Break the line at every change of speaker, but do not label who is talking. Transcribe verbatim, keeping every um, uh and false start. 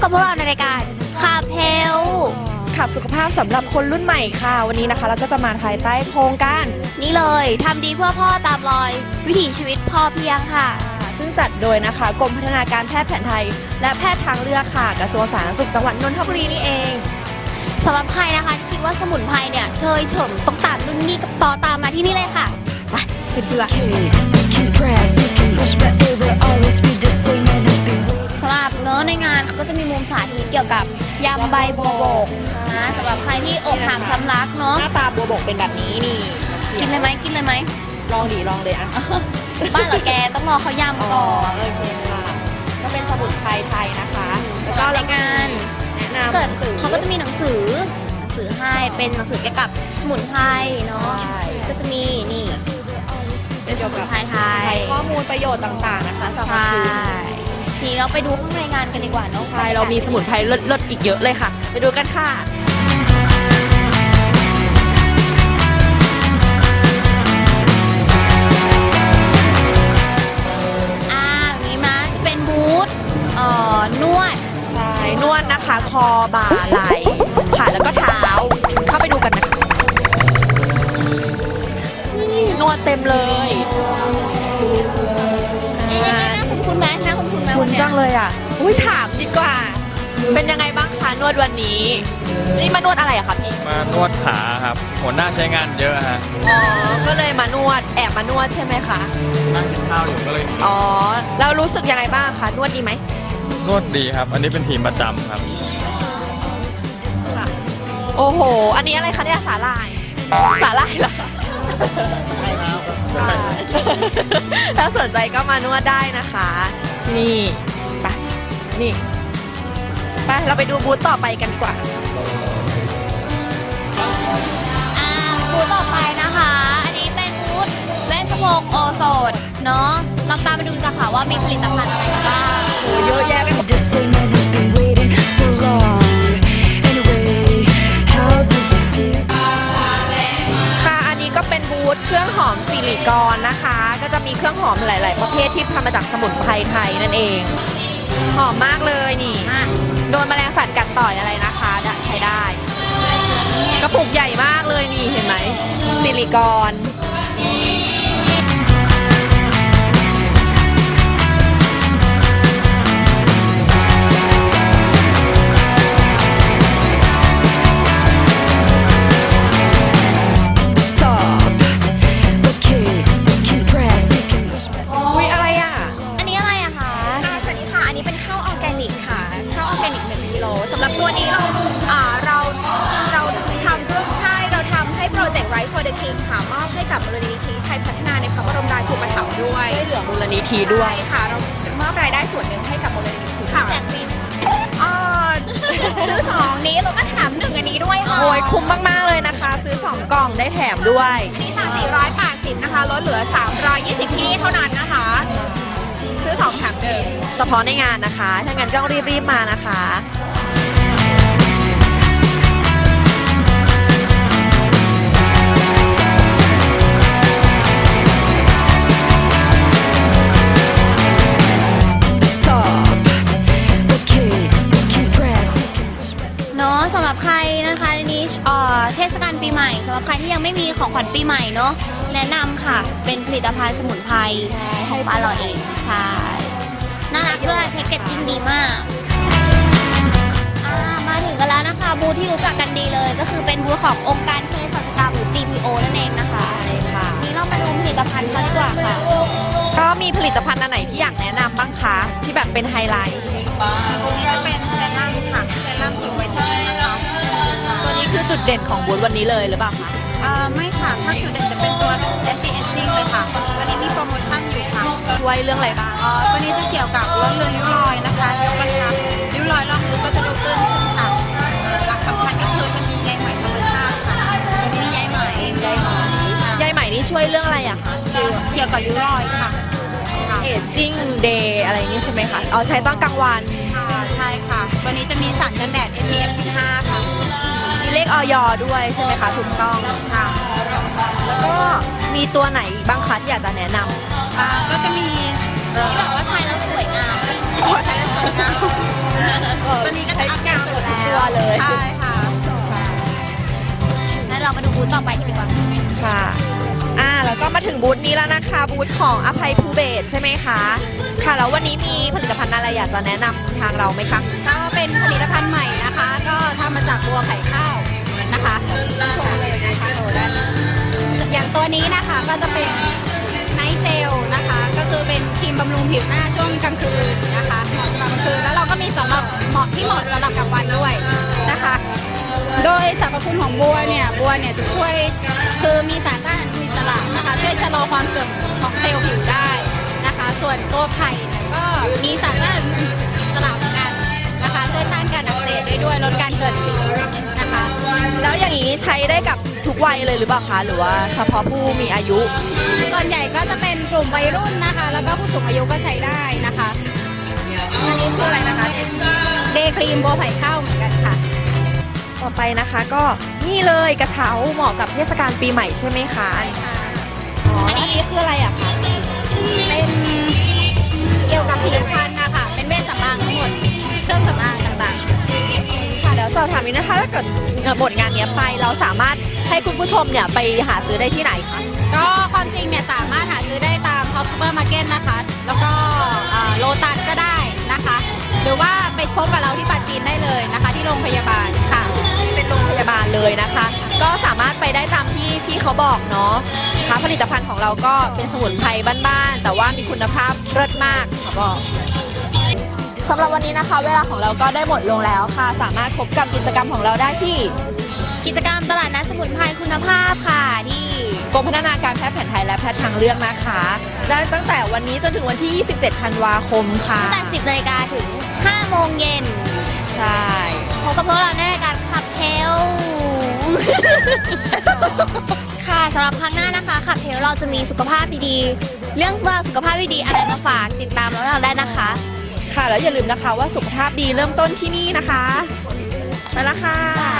กับพวกเราในรายการคาเพล
ขับสุขภาพสำหรับคนรุ่นใหม่ค่ะวันนี้นะคะเราก็จะมาภายใต้โครงการ
นี่เลยทำดีเพื่อพ่อตามรอยวิถีชีวิตพอเพียงค่ะ
ซึ่งจัดโดยนะคะกรมพัฒนาการแพทย์แผนไทยและแพทย์ทางเลือกค่ะกระทรวงสาธารณสุขจังหวัดนนทบุรีนี่เอง
สำหรับใครนะคะที่คิดว่าสมุนไพรเนี่ยเชยเฉิมต้องตามรุ่นนี้กับต่อตามมาที่นี่เลยค่ะไปเพื่อนๆสำหรับเนื้อในงานเขาก็จะมีมุมสาธิตเกี่ยวกับยำใบบัวบกนะสำหรับใครที่อกหักช้ำรักเนาะ
หน้าตาบัวบกเป็นแบบนี้นี่
กินเลยไหมกินเลยไหม
ลองดีลองเลยอ่ะ
บ้านเหรอแกต้องรอเขายำก่อน
โอเคค่ะก็เป็นสมุนไพรไทยนะคะแล้วก็
รายการ
แนะนำ
หนังสือเขาก็จะมีหนังสือหนังสือให้เป็นหนังสือเกี่ยวกับสมุนไพรเนาะก็จะมีนี่เป็นสมุนไพรไทย
ข้อมูลประโยชน์ต่างๆนะคะสำหรับคุณ
ทีเราไปดูข้างในงานกันดีกว่าเนาะ
ใช่เรามีสมุนไพรเลิศๆอีกเยอะเลยค่ะไปดูกันค่ะ
อ่านี้นะจะเป็นบูธเอ่อนวด
ใช่นวดนะคะคอบ่าไหล่ขาแล้วก็เท้าเข้าไปดูกันนะนี่นวดเต็มเลย
คุณแม่นะคุณคุณแม่
คุณจังเลยอ่ะอุ้ยถามดีกว่าเป็นยังไงบ้างคะนวดวันนี้นี่มานวดอะไรอะคะพี่
มานวดขาครับหัวหน้าใช้งานเยอะฮะ
อ๋อก็เลยมานวดแอบมานวดใช่ไหมคะ
นั่งกินข้าวอยู่ก็เลย
อ๋อแล้วรู้สึกยังไงบ้างคะนวดดีไหม
นวดดีครับอันนี้เป็นทีมประจำครับ
โอ้โหอันนี้อะไรคะเนี่ยสาหร่ายสาหร่ายเหรอถ้าสนใจก็มานวดได้นะคะนี่ไปนี่ไปเราไปดูบูธต่อไปกันดีกว่า
อ่าบูธต่อไปนะคะอันนี้เป็นบูธเวชภพโอโซนเนาะลองตามไปดูกันค่ะว่ามีผลิตภัณฑ์อะไรกันบ้าง
โอ้เยอะแยะไปหมดค่ะอันนี้ก็เป็นบูธเครื่องหอมสิริกรนะคะก็จะมีเครื่องหอมหลายๆประเภทที่ทำมาจากสมุนไพรไทยนั่นเองหอมมากเลยนี่โดนแมลงสัตว์กัดต่อยอะไรนะคะใช้ได้กระปุกใหญ่มากเลยนี่เห็นไหมสิริกร
สำหรับตัวนี้เราเราเราทำเพื่อใช่เราทำให้โปรเจกต์ Rise for the King ค่ะมอบให้กับมูลนิธิชัยพัฒนาในพระบรมราชูปถัมภ์ด้วย
ช่วยเหลือมูลนิธิด้วย
ค่ะเรามอบรายได้ส่วนหนึ่งให้กับมูลนิธิค่ะ
แจกฟรี
ซื้อสองนี้เราก็แถมหนึ่งอันนี้ด้วยค่ะ
โอ้ยคุ้มมากๆเลยนะคะซื้อสองกล่องได้แถมด้วย
อันนี้ค่ะสี่ร้อยแปดสิบนะคะลดเหลือสามร้อยยี่สิบที่นี่เท่านั้นนะคะซื้อสองแถมหนึ่ง
เฉพาะในงานนะคะถ้างั้นก็รีบๆมานะคะ
สำหรับใครนะคะในนี้เทศกาลปีใหม่สำหรับใครที่ยังไม่มีของขวัญปีใหม่เนาะแนะนำค่ะเป็นผลิตภัณฑ์สมุนไพรของบ้านเราเองใช่น่ารักด้วยแพ็กเกจจิ้งดีมากมาถึงกันแล้วนะคะบูธที่รู้จักกันดีเลยก็คือเป็นบูธขององค์การเภสัชกรรมหรือ จี พี โอ นั่นเองนะคะนี่เรามาดูผลิตภัณฑ์กันดีกว่าค่ะ
ก็มีผลิตภัณฑ์อันไหนที่อยากแนะนำบ้างคะที่แบบเป็นไฮไลท์
ตัวนี้จะเป็นเซรั่มค่ะเซรั่มผิวไวท์เทนนิ่งนะคะ
ตัวนี้คือจุดเด่นของบูธวันนี้เลยหรือเปล่าคะ
ไม่ค่ะถ้าจุดเด่นจะเป็นตัว anti aging เลยค่ะวันนี้มีโปรโมชั่นอยู่ค่ะ
ช่วยเรื่องอะไรบ้าง
อ๋อตัวนี้จะเกี่ยวกับลดเลือนริ้วรอยนะคะยกกระชับริ้วรอยรอบริ้วก็จะดูตื้นขึ้นค่ะหลักสำคัญก็คือจะมีใยไหมธรรมชาติค่ะตัวนี้ใยไหมใยไหม
ใยไหมนี่ช่วยเรื่องอะไรอะคะ
เกี่ยวกับริ้วรอยค่ะ
เอจจิ้งเดย์อะไรนี้ใช่ไหมคะอ๋อใช้ตอนกลางวัน
ใช่ค่ะวันนี้จะมีสารกันแดด เอ พี เอฟ สิบห้า ค่ะ
มีเลขออยด้วยใช่ไหมคะถูกต้อง
ค่ะ
แล้วก็มีตัวไหนบ้างคะที่อยากจะแนะน
ำก็จะมี
ที่แบบว่าใช้แล้วสวยงาม
ใช้แล้วสวยงามตัวนี้
อเลย
ใช่ค่ะ
งั้นเรามาดูบูธต่อไปกันดีกว่า
ค่ะอ่าแล้วก็มาถึงบูธนี้แล้วนะคะบูธของอภัยภูเบศรใช่ไหมคะค่ะแล้ววันนี้มีผลิตภัณฑ์อะไรอยากจะแนะนำทางเราไหมคะ
ก็เป็นผลิตภัณฑ์ใหม่นะคะ ก็ทำมาจากบัวไข่ข้าวนะคะชมเลยนะคะโหด้านอย่างตัวนี้นะคะก็จะเป็นไนท์เจลนะคะ ก็คือเป็นครีมบำรุงผิวหน้าช่วงกลางคืนนะคะเหมาะสำหรับกลางคืนแล้วเราก็มีสำหรับเหมาะที่เหมาะสำหรับกลางวันด้วยนะคะ โดยสรรพคุณของบัวเนี่ยบัวเนี่ยจะช่วยคือมีสารต้านอนุมูลอิสระนะคะช่วยชะลอความเสื่อมของเซลล์ผิวได้นะคะ ส่วนตัวไผ่เนี่ยก็มีสารต้านอนุมูลอิสระเหมือนกันนะคะช่วยต้านการอักเสบได้ด้วยลดการเกิดสิวนะคะ
แล้วอย่างนี้ใช้ได้กับทุกวัยเลยหรือเปล่าคะหรือว่าเฉพาะผู้มีอายุ
ส่วนใหญ่ก็จะเป็นกลุ่มวัยรุ่นนะคะ แล้วก็ผู้สูงอายุก็ใช้ได้นะคะอันนี้คืออะไรนะคะเดย์ครีมบัวไผ่ข้าวเหมือนกันค่ะ
ต่อไปนะคะก็นี่เลยกระเช้าเหมาะกับเทศกาลปีใหม่ใช่ไหมคะอ๋ออันนี้คืออะไรอะคะ
เป็นเกี่ยวกับผลิตภัณฑ์นะคะ เป็นเวชสำอางทั้งหมด เครื่องสำอางต่างๆ
ค่ะเดี๋ยวสอบถามนิดนะคะถ้าเกิดเอ่อหมดงานเนี้ยไปเราสามารถให้คุณผู้ชมเนี่ยไปหาซื้อได้ที่ไหนคะ
ก็ความจริงเนี่ยสามารถหาซื้อได้ตามท็อปซูเปอร์มาร์เก็ตนะคะ แล้วก็โลตัสก็ได้นะคะ หรือว่าไปพบกับเราที่ปาจีนได้เลยนะคะ ที่โรงพยาบาลค่ะ
เป็นโรงพยาบาลเลยนะคะ ก็สามารถไปได้ตามที่พี่เขาบอกเนาะค่ะผลิตภัณฑ์ของเราก็เป็นสมุนไพรบ้านๆแต่ว่ามีคุณภาพเลิศมากเขาบอกสำหรับวันนี้นะคะ เวลาของเราก็ได้หมดลงแล้วค่ะ สามารถพบกับกิจกรรมของเราได้ที่
กิจกรรมตลาดนัดสมุนไพรคุณภาพค่ะที่
กรมพัฒนาการแพทย์แผนไทยและแพทย์ทางเลือกนะคะได้ตั้งแต่วันนี้จนถึงวันที่ ยี่สิบเจ็ด ธันวาคมค่ะ
ตั้งแต่ สิบนาฬิกาถึง ห้าโมงเย็น
ใช่
พบกับพวกเราในรายการขับเทล ค่ะสำหรับครั้งหน้านะคะขับเทลเราจะมีสุขภาพดีๆ เรื่องราวสุขภาพดีๆอะไรมาฝากติดตามเราได้นะคะ
ค่ะแล้วอย่าลืมนะคะว่าสุขภาพดีเริ่มต้นที่นี่นะคะไปละค่ะ